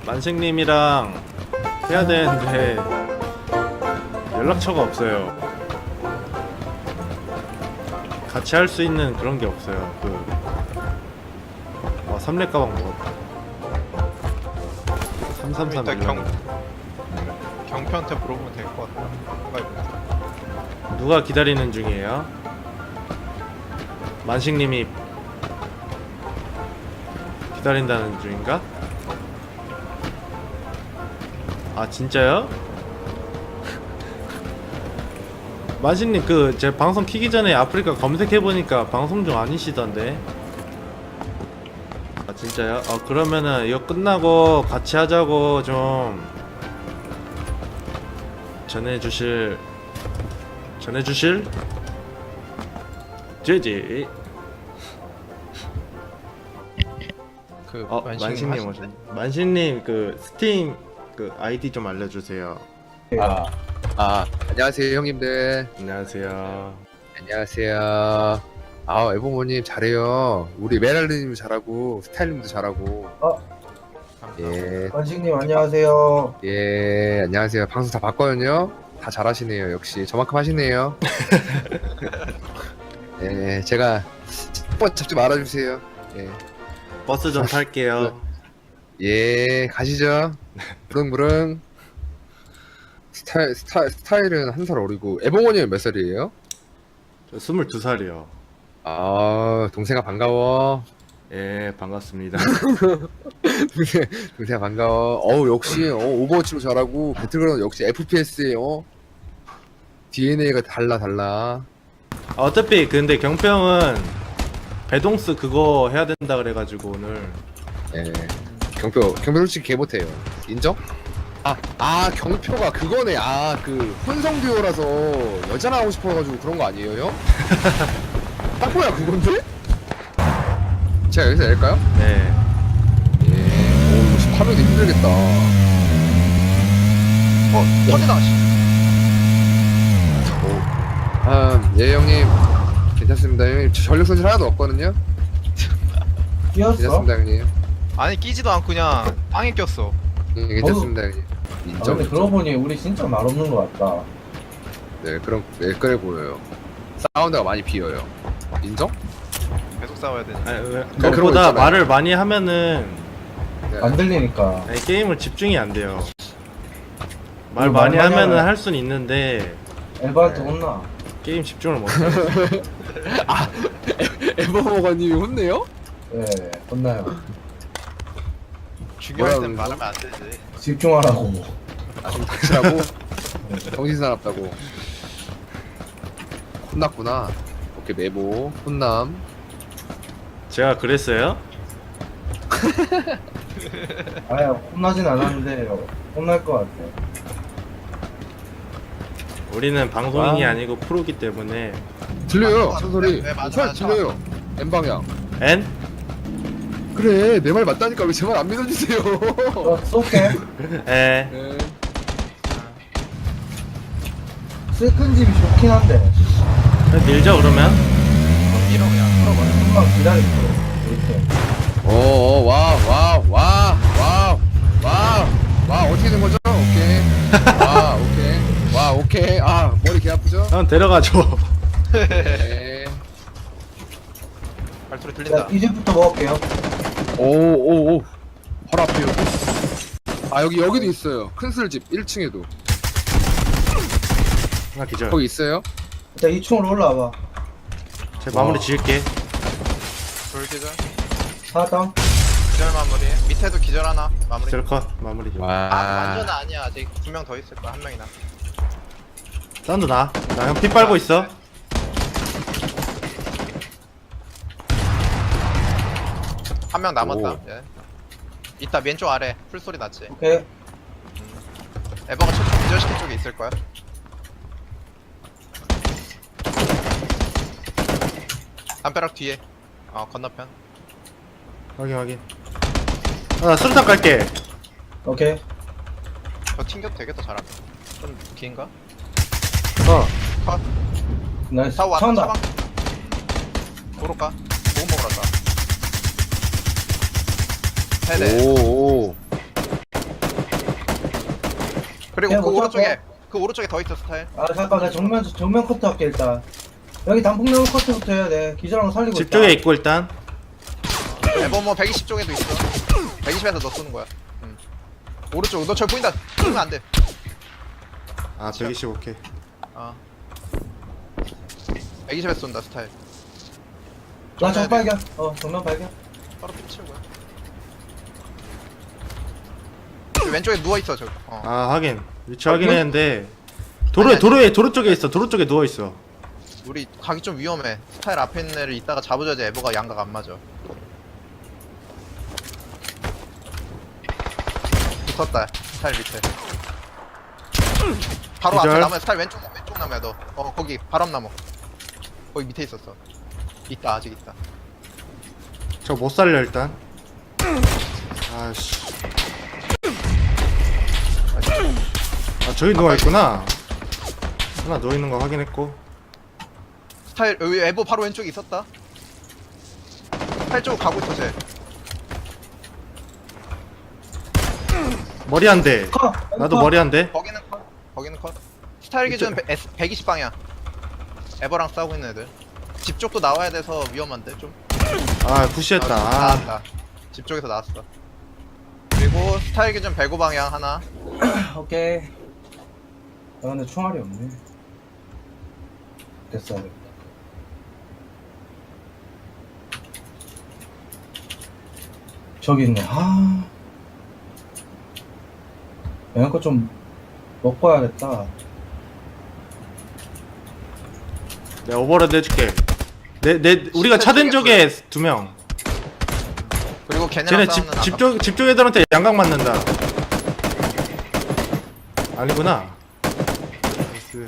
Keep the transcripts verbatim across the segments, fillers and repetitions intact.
만식님이랑 해야 되는데 연락처가 없어요. 같이 할 수 있는 그런 게 없어요. 그 아, 삼렙 가방 먹었다. 삼삼삼 일단 경 밀려나. 경표한테 물어보면 될 것 같다. 누가 입었어? 누가 기다리는 중이에요? 만식님이 기다린다는 중인가? 아 진짜요? 만식님 그 제 방송 키기 전에 아프리카 검색해보니까 방송 중 아니시던데. 아 진짜요? 어 그러면은 이거 끝나고 같이 하자고 좀 전해주실 전해주실? 제지. 그 어 만식님 오셨네. 만식님 그 스팀 그 아이디 좀 알려주세요. 아, 아, 안녕하세요 형님들. 안녕하세요. 안녕하세요. 아, 에보모님 잘해요. 우리 메랄리님 잘하고 스타일님도 잘하고. 어, 예, 관식님 안녕하세요. 예, 안녕하세요. 방송 다 봤거든요. 다 잘하시네요. 역시 저만큼 하시네요. 예, 제가 한번 잡지 말아주세요. 예, 버스 좀 탈게요. 예, 가시죠. 부릉부릉. 스타일 스타 스타일은 한 살 어리고 에보모님 몇 살이에요? 저 스물두 살이요. 아, 동생아 반가워. 예 반갑습니다. 동생, 동생아 반가워. 어우, 역시, 어, 오버워치도 잘하고, 배틀그라운드 역시 에프피에스에, 어, 디엔에이가 달라, 달라. 아, 어차피 근데 경평은 배동스 그거 해야 된다 그래가지고 오늘 예. 경표, 경표 솔직히 개 못해요. 인정? 아, 아, 경표가 그거네. 아, 그, 혼성 듀오라서 여자 나오고 싶어가지고 그런 거 아니에요, 형? 딱 뭐야, 그건데? 제가 여기서 낼까요? 네. 예. 오, 이거 십팔 명도 힘들겠다. 어, 터지다. 씨. 아, 예, 형님. 괜찮습니다, 형님. 저 전력 손실 하나도 없거든요? 끼었어? 괜찮습니다, 형님. 아니 끼지도 않고 그냥 빵에 꼈어. 예, 괜찮습니다, 형님. 아, 인정. 근데 그러고 보니 우리 진짜 말 없는 것 같다. 네, 그럼, 네, 그래 보여요. 사운드가 많이 비어요. 인정? 계속 싸워야 되니. 아니, 왜- 그런 거 그것보다 있잖아요. 말을 많이 하면은 네. 안 들리니까. 아니, 게임을 집중이 안 돼요. 말 음, 많이 말 많이 하면은 하면- 할 수는 있는데 엘바한테 네. 혼나. 게임 집중을 못 해요. 에버버거님이 혼내요? 예, 혼나요. 중요할 땐 뭐라 말하면 안 되지. 집중하라고. 아, 좀 닥치라고? 정신사납다고. 혼났구나. 오케이, 메모. 혼남. 제가 그랬어요? 아야, 혼나진 않았는데 혼날 것 같아. 우리는 방송인이 와. 아니고 프로기 때문에. 들려요, 맞아, 천소리. 네, 맞아, 차 맞아. 들려요. N방향. N? 그래, 내 말 맞다니까 왜 제 말 안 믿어주세요? 어, 쏠게. 에. 네. 슬픈 집이 좋긴 한데. 그냥 밀죠 그러면? 밀어 그냥. 풀어버려. 금방 기다릴게. 이렇게. 오, 오, 와, 와, 와, 와, 와, 와, 어떻게 된 거죠? 오케이. 와, 오케이. 와, 오케이. 아, 머리 개 아프죠? 형 데려가줘. 네. 발소리 자, 들린다. 이제부터 먹을게요. 오, 오, 오. 바로 앞에요. 아, 여기, 여기도 있어요. 큰 술집 일 층에도. 하나 기절. 거기 있어요? 일단 이 층으로 올라와봐. 제 마무리 와. 지을게. 돌 기절. 사당. 기절 마무리. 밑에도 기절 하나. 마무리. 셀컷 마무리 좀. 아, 와. 완전 아니야. 아직 두 명 더 있을 거야. 한 명이나. 사운드 나. 나 형 피 빨고 있어. 한 명 남았다. 오. 예. 이따 왼쪽 아래 풀소리 났지. 오케이. 에버가 저쪽 기절시킨 쪽에 있을 거야. 담벼락 뒤에. 어 건너편. 확인 확인. 아, 나 수류탄 깔게. 오케이. 저 튕겨도 되겠다 잘하면. 좀 긴가? 어. 컷. 나이스. 다 왔다. 차온다. 차방. 도로 가. 보고 먹으러 가. 세대. 오, 오. 그리고 야, 그 못 오른쪽에 잡고. 그 오른쪽에 더 있어 스타일. 아 잠깐 나 정면 정면 커트 할게 일단. 여기 단풍나무 커트부터 해야 돼. 기절하고 살리고 집 있다. 쪽에 있고 일단. 에버 뭐 백이십 쪽에도 있어. 백이십에서 너 쏘는 거야. 응. 오른쪽 너 저 보인다. 쏘면 안 돼. 아 백이십 오케이. 아. 백이십에서 쏜다 스타일. 나 정발견. 어 정면 발견. 바로 피치고요. 저 왼쪽에 누워 있어 저. 어. 아 하긴 위치 어, 확인했는데 도로에 아니, 도로에 도로 쪽에 있어. 도로 쪽에 누워 있어. 우리 가기 좀 위험해. 스타일 앞에 있는 애를 이따가 잡아줘야지 에버가 양각 안 맞아. 붙었다. 스타일 밑에. 바로 기절. 앞에 나무야. 스타일 왼쪽 왼쪽 나무야 너. 어 거기 바람 나무. 거기 밑에 있었어. 있다 아직 있다. 저 못 살려 일단. 아씨. 아 저기 누워 있구나. 하나 누워 있는 거 확인했고. 스타일 여기 에버 바로 왼쪽에 있었다. 스타일 쪽으로 가고 있어 쟤. 머리 한 대. 커. 나도 커. 머리 한 대. 거기는 컷. 거기는 컷. 스타일 기준 백이십 방이야. 에버랑 싸우고 있는 애들. 집 쪽도 나와야 돼서 위험한데 좀. 아 푸시했다. 아, 아, 나왔다. 집 쪽에서 나왔어. 그리고 스타일 기준 백오 방향 하나. 오케이. 아 근데 총알이 없네. 됐어. 저기 있네. 아. 얘네 거좀 먹고 와야겠다. 내가 오버로드 해줄게. 내 내 우리가 차된 쪽에 두 명. 그리고 걔네랑 쟤네 싸우는 아까 집집쪽 집쪽 애들한테 양각 맞는다. 아니구나. 나이스.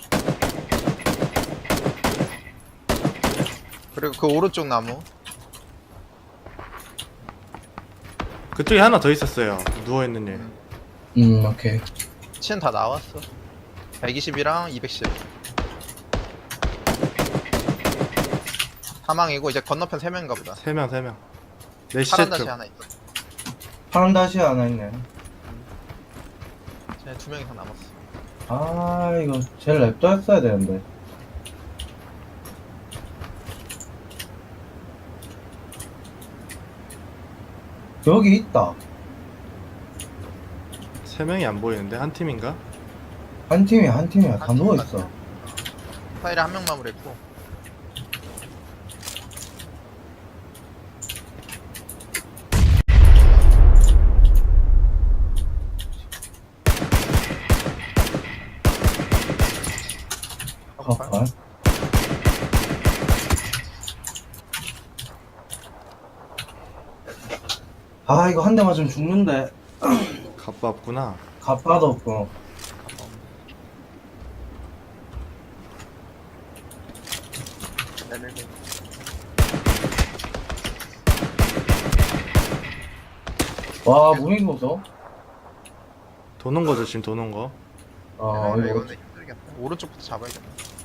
그리고 그 오른쪽 나무. 그쪽에 하나 더 있었어요. 누워 있는 애. 음 오케이. 치는 다 나왔어. 백이십이랑 이백십. 사망이고 이제 건너편 세 명인가 보다. 세 명, 세 명. 내 시체 파란 다시 쪽. 하나 있어. 파란 다시 하나 있네. 쟤네 두 명 이상 남았어. 아 이거 제일 랩도 했어야 되는데. 여기 있다. 세 명이 안 보이는데 한 팀인가? 한 팀이 한 팀이야. 다 한 팀 누워 같아. 있어. 파일에 한 명 마무리했고. 아, 아 이거 한 대 맞으면 죽는데. 갑바 없구나. 갑바도 없고. 와 무빙 보소. 도는 거 조심, 도는 거. 아 아, 이거 이거는 힘들겠다. 오른쪽부터 잡아야겠다.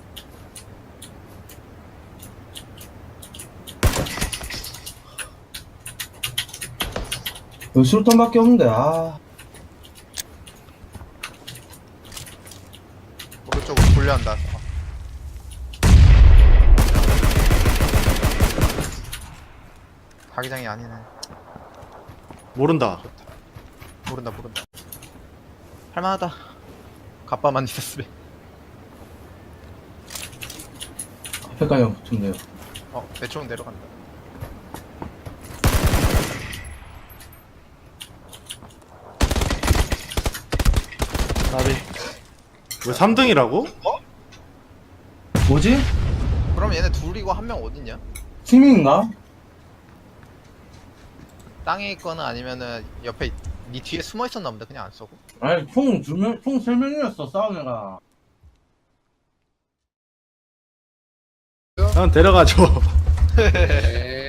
여기 술탄밖에 없는데. 아 오른쪽으로 돌려한다. 자기장이 아니네. 모른다. 모른다 모른다. 할만하다. 갑바만 있었으면. 앞에까지 붙으면 돼요. 어, 내 쪽은 내려간다. 나비. 왜 삼 등이라고? 뭐지? 그럼 얘네 둘이고 한 명 어딨냐? 팀인가? 땅에 있거나 아니면은 옆에 니 뒤에 숨어 있었나 본데 그냥 안 쏘고. 아니 총두명총세 명이었어 싸운 애가. 난 데려가줘. 네.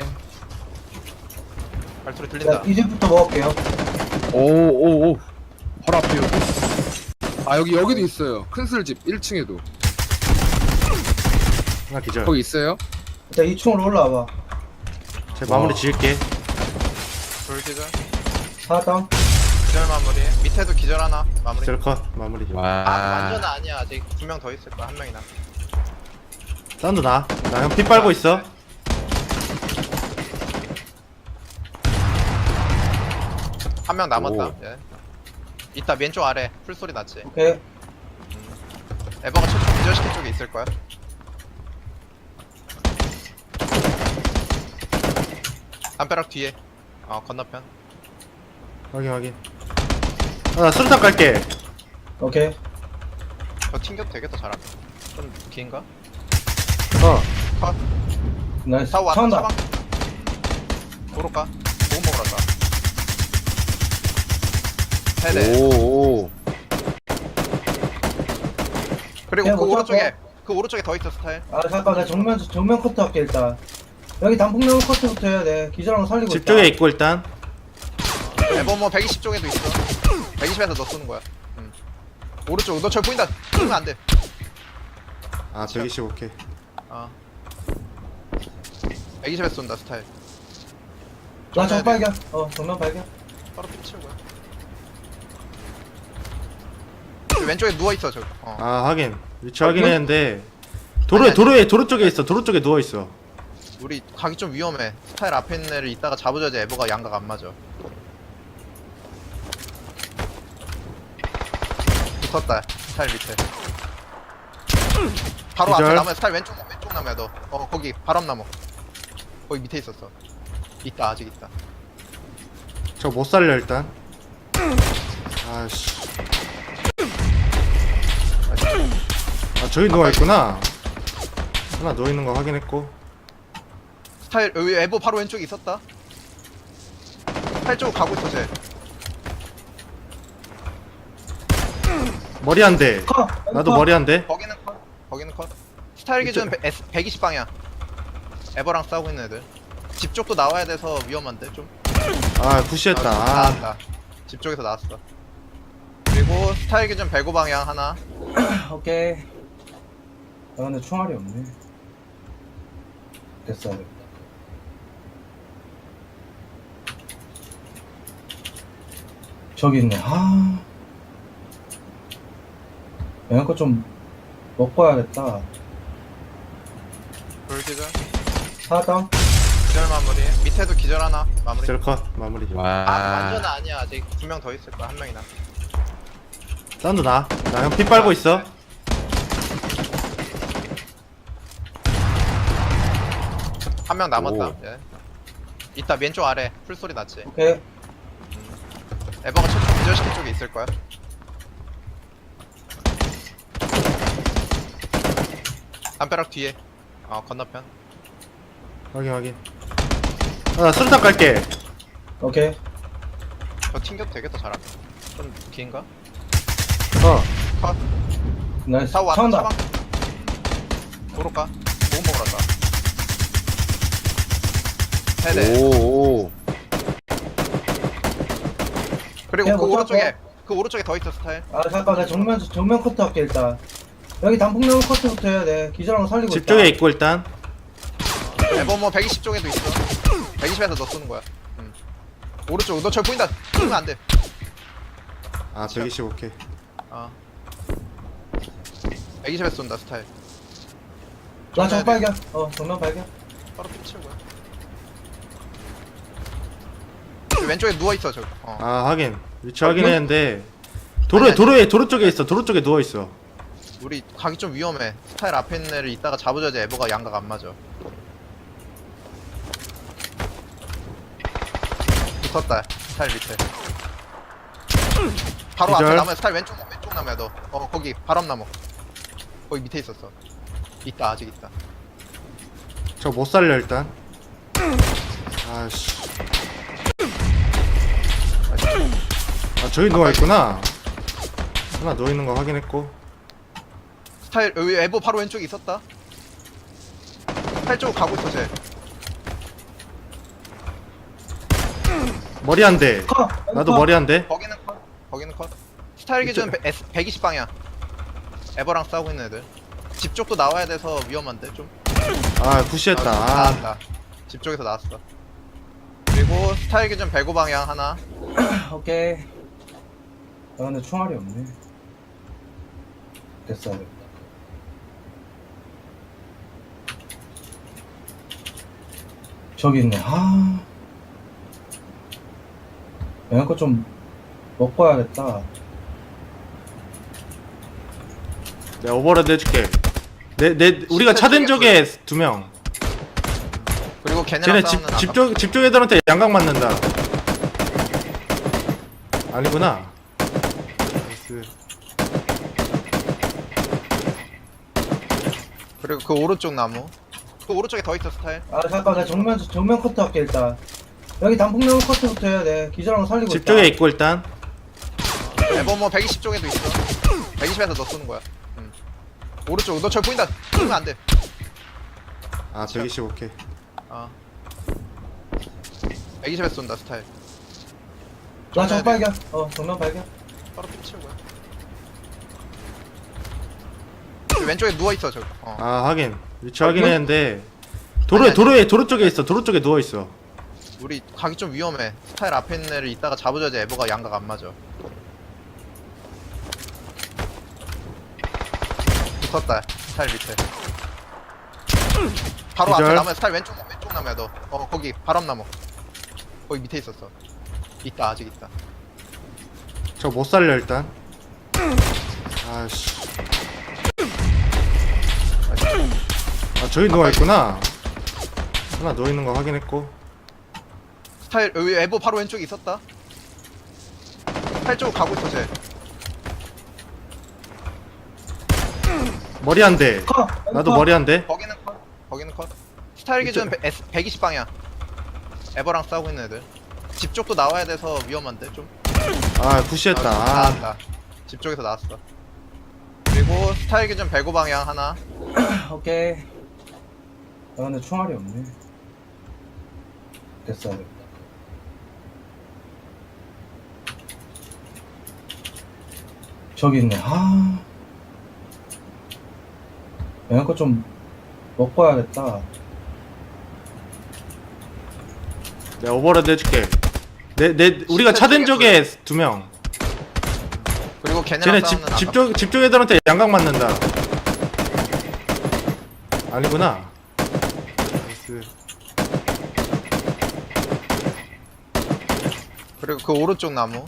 발소리 자 들린다. 이제부터 먹을게요. 오오오 바로 앞에 여기. 아 여기 여기도 있어요. 큰 술집 일 층에도 하나 기절. 거기 있어요. 일단 이 층으로 올라와봐. 제 마무리 지을게. 돌기절. 사당. 기절 마무리. 밑에도 기절 하나 마무리. 기절 컷 마무리. 아 와. 완전 아니야. 아직 두 명 더 있을 거야. 한 명이나. 사운드 나. 나 형 피 빨고 있어. 한 명 남았다. 오. 예. 이따 왼쪽 아래 풀소리 났지. 오케이. 에버가 최초 기절시킨 쪽에 있을 거야. 담벼락 뒤에. 어 건너편. 확인 확인. 아, 나 수류탄 깔게. 오케이. 저 튕겨도 되겠다 잘하면. 좀 긴가? 어. 컷. 나이스. 사 왔다. 차온다. 사방. 도로 가. 보금 먹으러 가. 세대. 오. 오. 그리고 야, 그 못 오른쪽에 잡고. 그 오른쪽에 더 있어 스타일. 아 잠깐 나 정면 정면 커트 할게 일단. 여기 단풍나무 커트부터 해야 돼. 기절하고 살리고 집 있다. 쪽에 있고 일단. 에버 뭐 백이십 쪽에도 있어. 백이십에서 너 쏘는 거야. 응. 오른쪽 너 저 보인다. 쏘면 안 돼. 아 백이십 오케이. 아. 백이십에서 쏜다 스타일. 나 정발견. 어 정면 발견. 바로 피치고요. 그 왼쪽에 누워 있어 저. 어. 아 확인. 위치 어, 확인했는데 도로에 아니, 도로에 도로 쪽에 있어. 도로 쪽에 누워 있어. 우리 가기 좀 위험해. 스타일 앞에 있는 애를 이따가 잡으자지 에버가 양각 안 맞아. 붙었다. 스타일 밑에. 바로 기절. 앞에 나무야. 스타일 왼쪽 왼쪽 나무야 너. 어 거기 바람 나무. 거기 밑에 있었어. 있다 아직 있다. 저 못 살려 일단. 아씨. 아 저기 누워 있구나. 하나 누워 있는 거 확인했고. 스타일 여기 에버 바로 왼쪽에 있었다. 스타일 쪽으로 가고 있어 쟤. 머리 한 대. 커. 나도 커. 머리 한 대. 거기는 컷. 거기는 컷. 스타일 기준 백이십 방이야. 에버랑 싸우고 있는 애들. 집 쪽도 나와야 돼서 위험한데 좀. 아 푸시했다. 아, 아, 나왔다. 집 쪽에서 나왔어. 그리고 스타일 기준 백오 방향 하나. 오케이. 아 근데 총알이 없네. 됐어. 저기 있네. 아. 얘네 거좀 먹고 와야겠다. 돌 기절. 사당. 기절 마무리. 밑에도 기절 하나 마무리. 기절 컷 마무리. 와. 아 완전 아니야. 아직 두 명 더 있을 거야. 한 명이나. 사운드 나. 나 형 피 빨고 있어. 한 명 남았다. 오. 예. 이따 왼쪽 아래 풀소리 났지. 오케이. 에버가 최초 기절시킨 쪽에 있을 거야. 담벼락 뒤에. 어 건너편. 확인 확인. 아, 나 수류탄 깔게. 오케이. 저 튕겨도 되겠다 잘하면. 좀 긴가? 어. 컷. 나이스. 사 왔다. 차온다. 사방. 도로 가. 보금 먹으러 가. 세대. 오. 오. 그리고 야, 그 못 오른쪽에 잡고. 그 오른쪽에 더 있어 스타일. 아 잠깐 나 정면 정면 커트 할게 일단. 여기 단풍나무 커트부터 해야 돼. 기절하고 살리고 집 있다. 쪽에 있고 일단. 에버 뭐 백이십 쪽에도 있어. 백이십에서 너 쏘는 거야. 응. 오른쪽 너 저 보인다. 쏘면 안 돼. 아 백이십 오케이. 아. 백이십에서 쏜다 스타일. 나 정발견. 어 정면 발견. 바로 피치고요. 그 왼쪽에 누워 있어 저. 어. 아 확인. 위치 어, 확인했는데 도로에 아니, 도로에 도로 쪽에 있어. 도로 쪽에 누워 있어. 우리 가기 좀 위험해. 스타일 앞에 있는 애를 이따가 잡으자지 에버가 양각 안 맞아. 붙었다. 스타일 밑에. 바로 기절. 앞에 나무야. 스타일 왼쪽 왼쪽 나무야 너. 어 거기 바람 나무. 거기 밑에 있었어. 있다 아직 있다. 저 못 살려 일단. 아씨. 아 저기 누워 있구나. 하나 누워 있는 거 확인했고. 스타일 여기 에버 바로 왼쪽에 있었다. 스타일 쪽으로 가고 있어 쟤. 머리 한 대. 커. 나도 커. 머리 한 대. 거기는 컷. 거기는 컷. 스타일 기준 백이십 방이야. 에버랑 싸우고 있는 애들. 집 쪽도 나와야 돼서 위험한데 좀. 아 푸시했다. 아, 아, 나왔다. 집 쪽에서 나왔어. 그리고 스타일 기준 백오 방향 하나. 오케이. 아 근데 총알이 없네. 됐어야 돼. 저기 있네. 아. 영양 거좀 먹고 와야겠다. 내가 오버레드 해줄게. 내, 내, 우리가 차된 쪽에 두 명. 그리고 걔네랑 쟤네 싸우는 집, 집 쪽, 집 쪽 애들한테 양각 맞는다. 아니구나. 나이스. 그리고 그 오른쪽 나무. 그 오른쪽에 더 있어 스타일. 아 잠깐 나 정면 정면 커트 할게 일단. 여기 단풍나무 커트부터 해야 돼. 기절하고 살리고 집 있다. 쪽에 있고 일단. 에버 뭐 백이십 쪽에도 있어. 백이십에서 너 쏘는 거야. 응. 오른쪽 너 저기 보인다. 쏘면 안 돼. 아, 백이십 오케이. 아. 백이십에서 쏜다 스타일. 나 정발견. 어 정면 발견. 바로 피치고요. 왼쪽에 누워 있어 저. 어. 아, 확인. 위치 어, 확인했는데. 도로에, 아니, 아니. 도로에, 도로 쪽에 있어. 도로 쪽에 누워있어. 우리 가기 좀 위험해. 스타일 앞에 있는 애를 이따가 잡아줘야지 에버가 양각 안 맞아. 붙었다. 스타일 밑에. 바로 기절. 앞에 나무야. 스타일 왼쪽 왼쪽 나무야 너. 어 거기 바람 나무. 거기 밑에 있었어. 있다 아직 있다. 저 못 살려, 일단. 아씨. 아, 저기 누워있구나. 하나 누워있는 거 확인했고. 스타일 여기 에버 바로 왼쪽에 있었다. 스타일 쪽으로 가고 있어 쟤. 머리 한 대. 커. 나도 커. 머리 한 대. 거기는 컷. 거기는 컷. 스타일 기준 백이십 방이야. 에버랑 싸우고 있는 애들. 집 쪽도 나와야 돼서 위험한데 좀. 아, 푸시했다. 아, 아, 나왔다. 집 쪽에서 나왔어. 그리고 스타일 기준 백오 방향 하나. 오케이. 아 근데 총알이 없네. 됐어야 돼. 저기 있네. 아. 영양 거좀 먹고 와야겠다. 내가 오버레드 해줄게. 내, 내, 우리가 차된 쪽에 두 명. 그리고 걔네랑 쟤네 싸우는 집, 집 쪽, 집 쪽 애들한테 양각 맞는다. 아니구나. 나이스. 그리고 그 오른쪽 나무.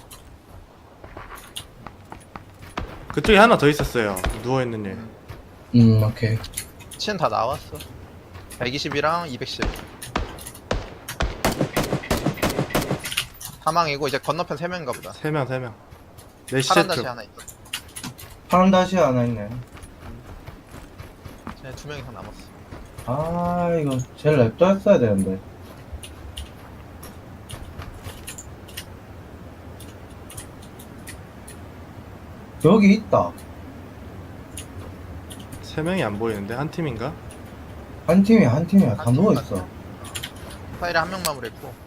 그쪽에 하나 더 있었어요. 누워있는 애. 음 오케이. 치는 다 나왔어. 백이십이랑 이백십. 사망이고 이제 건너편 세 명인가 보다. 세 명, 세 명. 내 파란 시체 다시 쪽. 하나 있어. 파란 다시 하나 있네. 쟤네 두 명 이상 남았어. 아 이거 제일 랩도 했어야 되는데. 여기 있다. 세 명이 안 보이는데? 한 팀인가? 한 팀이 한 팀이야. 다 한 팀 누워 같아. 있어. 스타일에 한 명 마무리했고